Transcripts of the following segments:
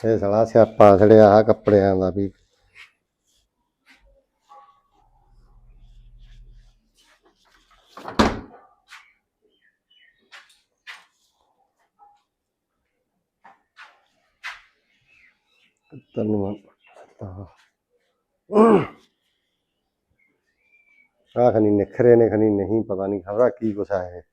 ਇਹ ਸਾਲਾ ਸਿਆਪਾ ਛੜਿਆ ਆ ਕੱਪੜਿਆਂ ਦਾ ਵੀ। ਤੈਨੂੰ ਆ ਖਨੀ ਨਿਖਰੇ ਨੇ ਖਨੀ ਨਹੀਂ ਪਤਾ ਨਹੀਂ ਖਬਰਾਂ ਕੀ ਕੁਛ ਆ ਇਹ।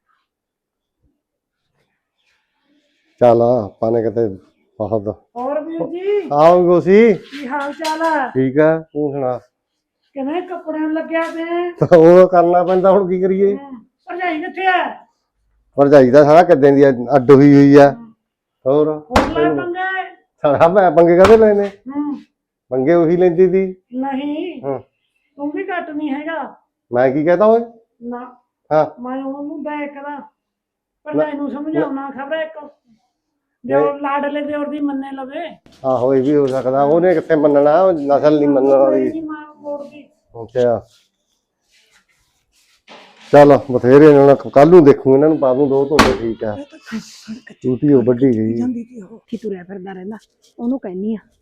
ਚੱਲ ਆਪਾਂ ਨੇ ਕਿਤੇ ਬਹੁਤ ਹੋਰ ਵੀਰ ਜੀ ਆਓ ਗੋਸੀ ਕੀ ਹਾਲ ਚਾਲ ਹੈ? ਠੀਕ ਆ ਤੂੰ ਸੁਣਾ। ਕਿਵੇਂ ਕੱਪੜਿਆਂ ਨੂੰ ਲੱਗਿਆ ਪਿਆ? ਉਹ ਕਰਨਾ ਪੈਂਦਾ ਹੁਣ ਕੀ ਕਰੀਏ। ਭਰਜਾਈ ਕਿੱਥੇ ਹੈ? ਭਰਜਾਈ ਦਾ ਸਾਰਾ ਕਿੱਦਾਂ ਦੀ ਅੱਡ ਹੋਈ ਆ। ਹੋਰ ਹੋਰ ਲੈ ਪੰਗੇ? ਸਾਰਾ ਮੈਂ ਪੰਗੇ ਕਾਹਦੇ ਲੈਣੇ? ਪੰਗੇ ਉਹੀ ਲੈਂਦੀ ਸੀ। ਨਹੀਂ ਤੂੰ ਵੀ ਘੱਟ ਨਹੀਂ ਹੈਗਾ। ਮੈਂ ਕੀ ਕਹਤਾ ਓਏ? ਨਾ ਹਾਂ ਮੈਂ ਉਹਨੂੰ ਦੇਖਦਾ ਭਰਜਾਈ ਨੂੰ ਸਮਝਾਉਣਾ ਖਬਰ ਇੱਕ ਦਿਓਰ ਲਾਡਲੇ ਦਿਓਰ ਦੀ ਮੰਨੇ ਲਵੇ। ਆਹੋ ਇਹ ਵੀ ਹੋ ਸਕਦਾ। ਉਹਨੇ ਕਿੱਥੇ ਮੰਨਣਾ, ਉਹ ਨਸਲ ਨਹੀਂ ਮੰਨਣ ਵਾਲੀ। ਅੱਛਾ ਚੱਲ ਬਥੇਰੇ ਕੱਲ ਨੂੰ ਦੇਖੂ ਇਹਨਾਂ ਨੂੰ ਪਾ ਦੂੰ ਦੋ ਧੋਤੇ। ਠੀਕ ਆ ਟੂਟੀ ਉਹ ਵੱਡੀ ਗਈ ਕੀ ਤੁਰਿਆ ਫਿਰਦਾ ਰਹਿੰਦਾ। ਉਹਨੂੰ ਕਹਿਨੀ ਆ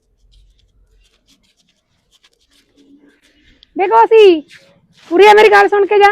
ਦੇਖੋ ਸੀ ਪੂਰੀ ਮੇਰੀ ਗੱਲ ਸੁਣ ਕੇ ਜਾ।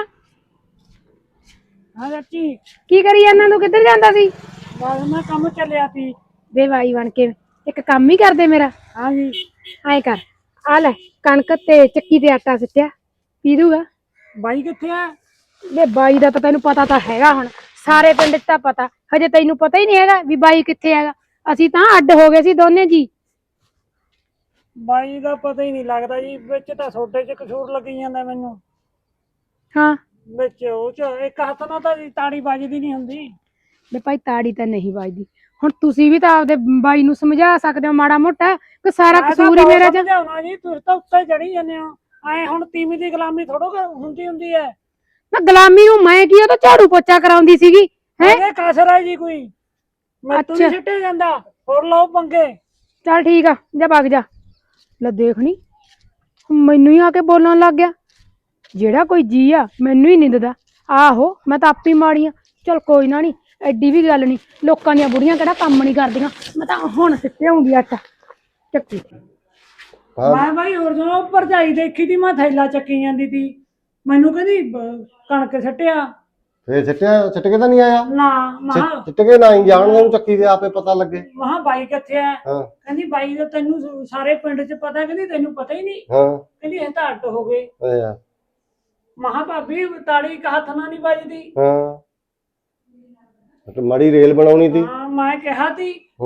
ਹਾਂ ਚਾਚੀ ਕੀ ਕਰੀ ਇਹਨਾਂ ਨੂੰ ਕਿੱਧਰ ਜਾਂਦਾ ਸੀ? ਬਸ ਮੈਂ ਕੰਮ ਚੱਲਿਆ ਸੀ। ਵੇ ਬਾਈ ਬਣ ਕੇ ਇੱਕ ਕੰਮ ਹੀ ਕਰਦੇ ਮੇਰਾ। ਹਾਂਜੀ ਐਂ ਕਰ ਆ ਲੈ ਕਣਕ ਤੇ ਚੱਕੀ ਤੇ ਆਟਾ ਸਿੱਟਿਆ ਪੀ ਦੂਗਾ। ਬਾਈ ਕਿੱਥੇ ਆ? ਵੇ ਬਾਈ ਦਾ ਤਾਂ ਤੈਨੂੰ ਪਤਾ ਤਾਂ ਹੈਗਾ, ਹੁਣ ਸਾਰੇ ਪਿੰਡ 'ਚ ਤਾਂ ਪਤਾ। ਹਜੇ ਤੈਨੂੰ ਪਤਾ ਹੀ ਨਹੀਂ ਹੈਗਾ ਵੀ ਬਾਈ ਕਿੱਥੇ ਹੈਗਾ। ਅਸੀਂ ਤਾਂ ਅੱਡ ਹੋ ਗਏ ਸੀ ਦੋਨੇ ਜੀ। ਬਾਈ ਦਾ ਪਤਾ ਹੀ ਨਹੀਂ ਲੱਗਦਾ ਜੀ। ਵਿੱਚ ਤਾਂ ਸੋਡੇ 'ਚ ਕਸੂਰ ਲੱਗੀ ਜਾਂਦਾ ਮੈਨੂੰ। ਹਾਂ ਵਿੱਚ ਉਹ 'ਚ ਇੱਕ ਹੱਥ ਨਾਲ ਤਾਂ ਤਾੜੀ ਵੱਜਦੀ ਨਹੀਂ ਹੁੰਦੀ। ਵੇ ਭਾਈ ਤਾੜੀ ਤਾਂ ਨਹੀਂ ਵੱਜਦੀ। ਹੁਣ ਤੁਸੀਂ ਵੀ ਤਾਂ ਆਪਦੇ ਬਾਈ ਨੂੰ ਸਮਝਾ ਸਕਦੇ ਹੋ ਮਾੜਾ ਮੋਟਾ ਕਿ ਸਾਰਾ ਕਸੂਰ ਹੀ ਮੇਰਾ ਚ। ਸਮਝਾਉਣਾ ਜੀ ਤੁਸੀਂ ਤਾਂ ਉੱਤੇ ਚੜੀ ਜਾਂਦੇ ਹੋ। ਐ ਹੁਣ ਤੀਵੀਂ ਦੀ ਗੁਲਾਮੀ ਥੋੜੋ ਹੁੰਦੀ ਹੈ। ਨਾ ਗੁਲਾਮੀ ਨੂੰ ਮੈਂ ਕੀ ਉਹ ਤਾਂ ਝਾੜੂ ਪੋਚਾ ਕਰਾਉਂਦੀ ਸੀਗੀ। ਇਹਦੇ ਕਸਰ ਹੈ ਜੀ ਕੋਈ? ਮੈਥੋਂ ਨਹੀਂ ਸਿੱਟਿਆ ਜਾਂਦਾ। ਹੋਰ ਲਓ ਪੰਗੇ। ਚੱਲ ਠੀਕ ਆ ਜਾ ਭੱਗ ਜਾ। ਲੈ ਦੇਖਣੀ ਮੈਨੂੰ ਹੀ ਆ ਕੇ ਬੋਲਣ ਲੱਗ ਗਿਆ। ਜਿਹੜਾ ਕੋਈ ਜੀ ਆ ਮੈਨੂੰ ਹੀ ਨਿੰਦਦਾ। ਆਹੋ ਮੈਂ ਤਾਂ ਆਪੀ ਮਾੜੀ ਆ। ਚੱਲ ਕੋਈ ਨਾ, ਨੀ ਐਡੀ ਵੀ ਗੱਲ ਨਹੀਂ। ਲੋਕਾਂ ਦੀਆਂ ਬੁੜੀਆਂ ਕਿਹੜਾ ਕੰਮ ਨਹੀਂ ਕਰਦੀਆਂ। ਮੈਂ ਤਾਂ ਹੁਣ ਸਿੱਟਿਆ ਹੁੰਦੀ ਆਟਾ ਚੱਕੀ। ਮੈਂ ਬਾਈ ਹੋਰ ਜਦੋਂ ਭਰਜਾਈ ਦੇਖੀ ਤੀ ਮੈਂ ਥੈਲਾ ਚੱਕੀ ਜਾਂਦੀ ਤੀ। ਮੈਨੂੰ ਕਹਿੰਦੀ ਕਣਕ ਸਿੱਟਿਆ। ਫੇਰ ਸਿੱਟ ਕੇ ਤਾਂ ਨਹੀਂ ਆਇਆ? ਨਾ ਮਹਾ ਸਿੱਟ ਕੇ ਨਾ ਹੀ ਜਾਣ ਨੂੰ ਚੱਕੀ ਦੇ ਆਪੇ ਪਤਾ ਲੱਗੇ। ਮਹਾ ਬਾਈ ਕਿੱਥੇ ਆ? ਹਾਂ ਕਹਿੰਦੀ ਬਾਈ ਦਾ ਤੈਨੂੰ ਸਾਰੇ ਪਿੰਡ 'ਚ ਪਤਾ। ਕਹਿੰਦੀ ਤੈਨੂੰ ਪਤਾ ਹੀ ਨਹੀਂ। ਹਾਂ ਕਹਿੰਦੀ ਇਹ ਤਾਂ ਅੱਡ ਹੋ ਗਏ। ਅੱਛਾ ਮਹਾ ਭਾਬੀ ਤਾੜੀ ਇੱਕ ਹੱਥ ਨਾਲ ਨਹੀਂ ਵੱਜਦੀ। ਹਾਂ ਮਾੜੀ ਰੇਲ ਬਣਾਉਣੀ ਸੀ। ਹਾਂ ਮੈਂ ਕਿਹਾ ਤੀ